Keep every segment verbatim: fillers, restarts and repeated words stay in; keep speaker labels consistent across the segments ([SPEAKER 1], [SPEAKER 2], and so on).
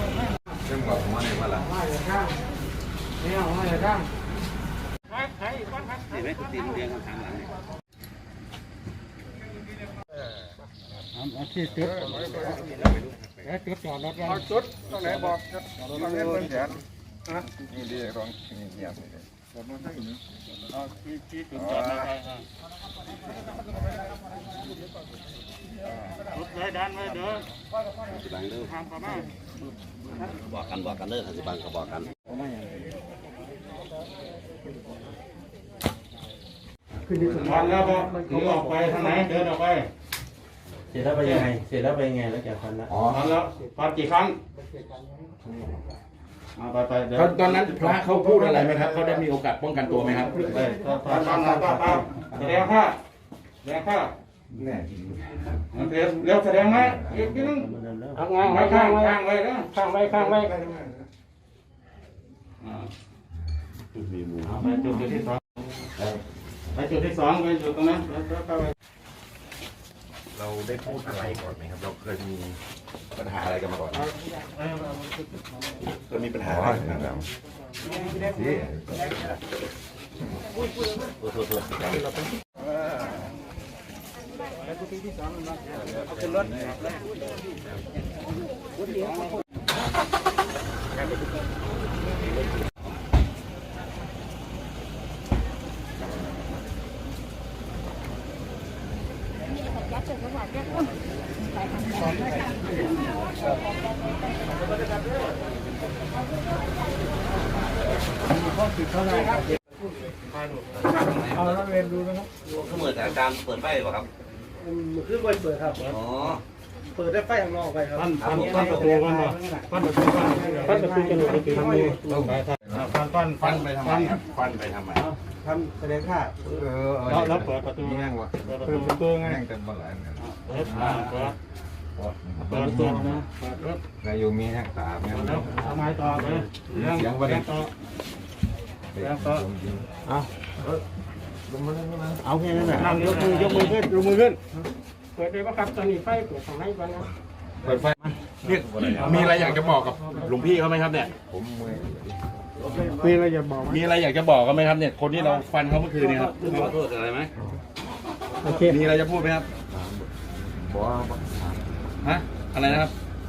[SPEAKER 1] เรื่องบอกว่าในมาละไม่เอาไม่เอาข้างเห็นไหมคุณตีนเรียงกันทางหลัง
[SPEAKER 2] เอาที่จุดแล้วจุดจอดรถเอาจุดตรงไหนบอกตรงนี้เป็นแสนนะนี่ดีตรงนี้เงียบเลยรถมันให้หนึ่งเอาที่ที่จุดจอดรถรถเลยดันเลยเด้อสิบังเด้อทางประมาณบอกกันบอกกันเด้อสิบังก็บอกกันขึ้นที่สุดแล้วก็ถึงออกไปทางไหนเดินออกไปเสร็จแล้วไปยังไงเสร็จแล้วไปยังไงแล้วแกฟันแล้วอ๋อฟันแล้วฟันกี่ครั้งไปไปตอนนั้นพระเขาพูดอะไรไหมครับเขาได้มีโอกาสป้องกันตัวไหมครับฟันฟันฟันฟันฟันแสดงค่าแสดงค่าแน่เร็วแสดงไหมอีกนิดนึงข้างไว้ข้างไว้ข้างไว้นะข้างไว้ข้างไว้จุดมีมูไปจุดที่สองไปจุดที่สองไปจุดตรงนั้น
[SPEAKER 1] เราได้พูดอะไรก่อนไหมครับเราเคยมีปัญหาอะไรกันมาก่อนเคยมีปัญหาอะไรกันมานี่เอาขึ้นรถ
[SPEAKER 2] เอาแล้วเรียนดูนะครับ
[SPEAKER 1] เขาเหมือนอาจารย์เปิดไฟหรอครับ
[SPEAKER 2] คือเปิดเปิดครับอ๋อเปิดได้ไฟข้างนอกไปครับปั้นปั้นปั้นประตูกันมาปั้นประตูปั้นปั้นประตูจมูกไปทำนี้ปั้นปั้นปั้นไปทำไมครับปั้นไปทำไมทำแสดงค่าเออแล้วเปิดประตูง่ายวะเปิดประตูง่ายกันบ้างไรเนี่ยเปิดเปิดเปิดตัวนะนายโยมีแห่งตาเนี่ยทำไมต่อเลยเรื่องเสียงวันนี้ต่อเรื่องต่อเอาเอาแค่นั้นแหละยกมือยกมือขึ้นยกมือขึ้นเปิดเลยว่าครับตอนนี้ไฟเปิดทางไหนบ้างนะเปิดไฟเนี่ยมีอะไรอยากจะบอกกับหลวงพี่เขาไหมครับเนี่ยผมมีอะไรอยากบอกมีอะไรอยากจะบอกกันไหมครับเนี่ยคนที่เราฟันเขาเมื่อคืนนี้ครับขอโทษอะไรไหมโอเคมีอะไรจะพูดไหมครับบอกฮะอะไรนะครับ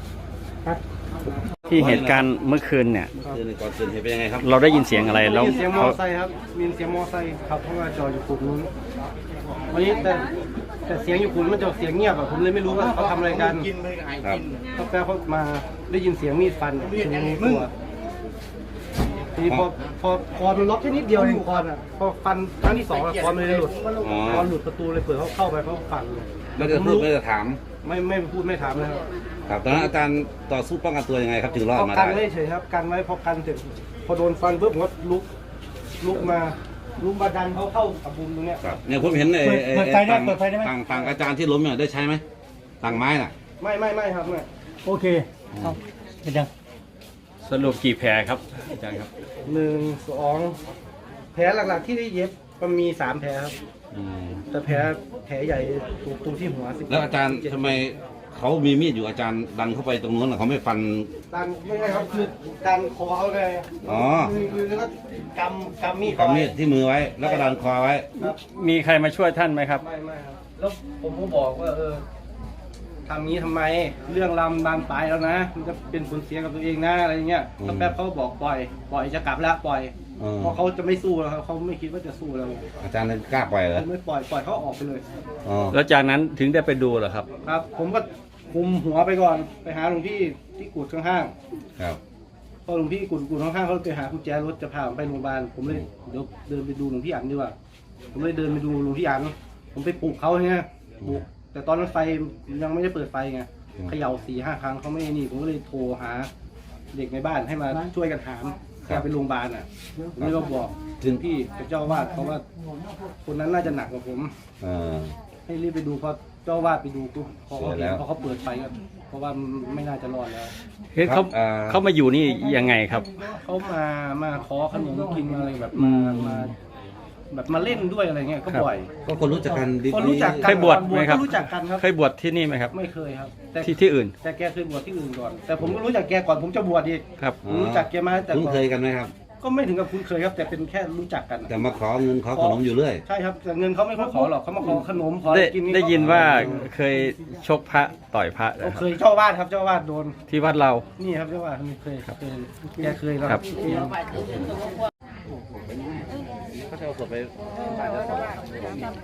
[SPEAKER 3] ที่เหตุการณ์เมื่อคืนเนี่ย
[SPEAKER 1] ก่อนเกิดเหตุเป็นยังไงครับ
[SPEAKER 3] เราได้ยินเสียงอะไรแล้ว
[SPEAKER 2] มีเสียงมอไซค์ครับมีเสียงมอไซค์ขับเข้ามาจอดอยู่กลุ่มนู้นวันนี้แต่แต่เสียงอยู่กลุ่มมันจะเสียงเงียบอ่ะผมเลยไม่รู้ว่าเขาทำอะไรกัน
[SPEAKER 1] ครับ
[SPEAKER 2] เขาแปลเขามาได้ยินเสียงมีดฟันถึงมือทีนี้พอพอคอมันล็อกแค่นิดเดียวเองคอนอ่ะพอฟันครั้งที่สองคอนมันเลยหลุดคอนหลุดประตูเลยเปิดเขาเข้าไปเขาฟันเลย
[SPEAKER 1] ไม่จะพูดไม่จะถาม
[SPEAKER 2] ไม่ไม่พูดไม่ถามเลย
[SPEAKER 1] ครับตอนนั้นอาจารย์ต่อสู้ป้องกันตัวยังไงครับถึงรอดมาได้
[SPEAKER 2] กันไว้เฉยครับกันไว้พอกันเสร็จพอโดนฟันปุ๊บผมก็ลุกลุกมาลุกมาดันเขาเข้ากับบุมตรงเนี้ย
[SPEAKER 1] ครับเนี่ยผมเห็นไอ้เปิดไฟได้เปิดไฟได้ไหมต่างต่างอาจารย์ที่ล้มเนี่ยได้ใช้ไหมต่างไม้น่ะ
[SPEAKER 2] ไม่ไม่ไม่ครับไม่โอเคเอาเป็นยัง
[SPEAKER 3] สรุปกี่แผลครับอาจารย์ครับ
[SPEAKER 2] หนึ่งสองแผลหลักๆที่ได้เย็บมันมีสามแผลครับแต่แผลแผลใหญ่ตรงที่หัวสิ
[SPEAKER 1] แล้วอาจารย์ทำไมเขามีมีดอยู่อาจารย์ดันเข้าไปตรงนู้นเขาไม่ฟัน
[SPEAKER 2] ดันไม่ใช่ครับคือดันคอเขาเลย
[SPEAKER 1] อ๋อ
[SPEAKER 2] คือแล้วก็กำกำมีด
[SPEAKER 1] กำมีดที่มือไว้แล้วก็ดันคอไว้
[SPEAKER 3] มีใครมาช่วยท่านไหมครับ
[SPEAKER 2] ไม่ไม่ครับแล้วผมก็บอกว่าเออทำนี้ทำไมเรื่องลำบานปลายแล้วนะมันจะเป็นผลเสียกับตัวเองนะอะไรเงี้ยก็แป๊บเขาบอกปล่อยปล่อยจะกลับแล้วปล่อยเพราะเขาจะไม่สู้แล้วเขาไม่คิดว่าจะสู้แล้ว
[SPEAKER 1] อาจารย์กล้าปล่อยเหรอ
[SPEAKER 2] ไม่ปล่อยปล่อยเขาออกไปเลย
[SPEAKER 3] แล้วจากนั้นถึงได้ไปดูเหรอครับ
[SPEAKER 2] ครับผมก็คุมหัวไปก่อนไปหาหลวงพี่ที่กุดข้าง
[SPEAKER 1] ๆครับ
[SPEAKER 2] พอหลวงพี่กุดกุดข้างๆเขาไปหากุญแจรถจะพาผมไปโรงพยาบาลผมเลยเดี๋ยวเดินไปดูหลวงพี่อันดีกว่าผมเลยเดินไปดูหลวงพี่อันผมไปปลุกเขาไงปลุกแต่ตอนนั้นไฟยังไม่ได้เปิดไฟไงเขย่าสี่ห้าครั้งเขาไม่นี่ผมก็เลยโทรหาเด็กในบ้านให้มาช่วยกันหามแกไปโรงพยาบาลอ่ะผมเลยบอกถึงพี่เจ้าวาดเพราะว่าคนนั้นน่าจะหนักกว่าผมให้รีบไปดูเพราะเจ้าวาดไปดูปุ๊บพอเขาเห็นพอเขาเปิดไฟก็เพราะว่าไม่น่าจะรอดแล้ว
[SPEAKER 3] เฮ้ยเขาเขามาอยู่นี่ยังไงครับ
[SPEAKER 2] เขามามาขอขนมกินอะไรแบบมามาแบบมาเล่นด้วยอะไรเงี้ยก็บ่อย
[SPEAKER 1] ก็คนรู้จักกันดี
[SPEAKER 2] คนรู้จักกัน
[SPEAKER 3] เคยบวชไหมครับ
[SPEAKER 2] ก็รู้จักกันครับ
[SPEAKER 3] เคยบวชที่นี่ไหมครับ
[SPEAKER 2] ไม่เคยครับ แต่
[SPEAKER 3] ที่ที่อื่น
[SPEAKER 2] แต่แกเคยบวชที่อื่นก่อน แต่ผมก็รู้จักแกก่อนผมจะบวชอีก
[SPEAKER 3] ครับ
[SPEAKER 2] ผมรู้จักแกมาแต่
[SPEAKER 1] คุ้น
[SPEAKER 2] ก่อน
[SPEAKER 1] เคยกันไหมครับ
[SPEAKER 2] ก็ไม่ถึงกับคุ้นเคยครับ แต่เป็นแค่รู้จักกัน
[SPEAKER 1] แต่มาขอเงินขอขนมอยู่เรื่อย
[SPEAKER 2] ใช่ครับแต่เงินเขาไม่ค่อยขอหรอกเขามาขอขนมขออะ
[SPEAKER 3] ได้
[SPEAKER 2] ไรกิน
[SPEAKER 3] ได้ยินว่าเคยชกพระต่อยพระ
[SPEAKER 2] เขา
[SPEAKER 3] นะครับ
[SPEAKER 2] เคยเจ้าอาวาดครับเจ้าอาวาดโดน
[SPEAKER 3] ที่วัดเรา
[SPEAKER 2] นี่ครับเจ้าอาวาดเคยเคยแกเคยแล้ว
[SPEAKER 3] ครับ
[SPEAKER 1] เขาจะเอาศพไปบ้านเจ้าของ